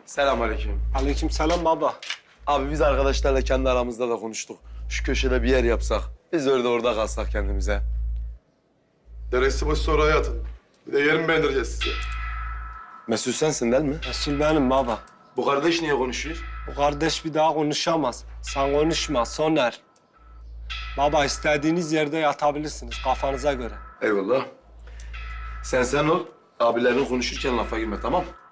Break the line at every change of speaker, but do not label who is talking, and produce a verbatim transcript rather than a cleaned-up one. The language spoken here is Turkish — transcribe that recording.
Selamünaleyküm.
Aleykümselam baba.
Abi biz arkadaşlarla kendi aramızda da konuştuk. Şu köşede bir yer yapsak, biz öyle orada kalsak kendimize.
Deresi başı sonra hayatın. Bir de yer mi beğendireceğiz size?
Mesut sensin değil mi?
Resul benim baba.
Bu kardeş niye konuşuyor?
Bu kardeş bir daha konuşamaz. Sen konuşma Soner. Baba istediğiniz yerde yatabilirsiniz kafanıza göre.
Eyvallah. Sen sen ol, abilerin konuşurken lafa girme tamam?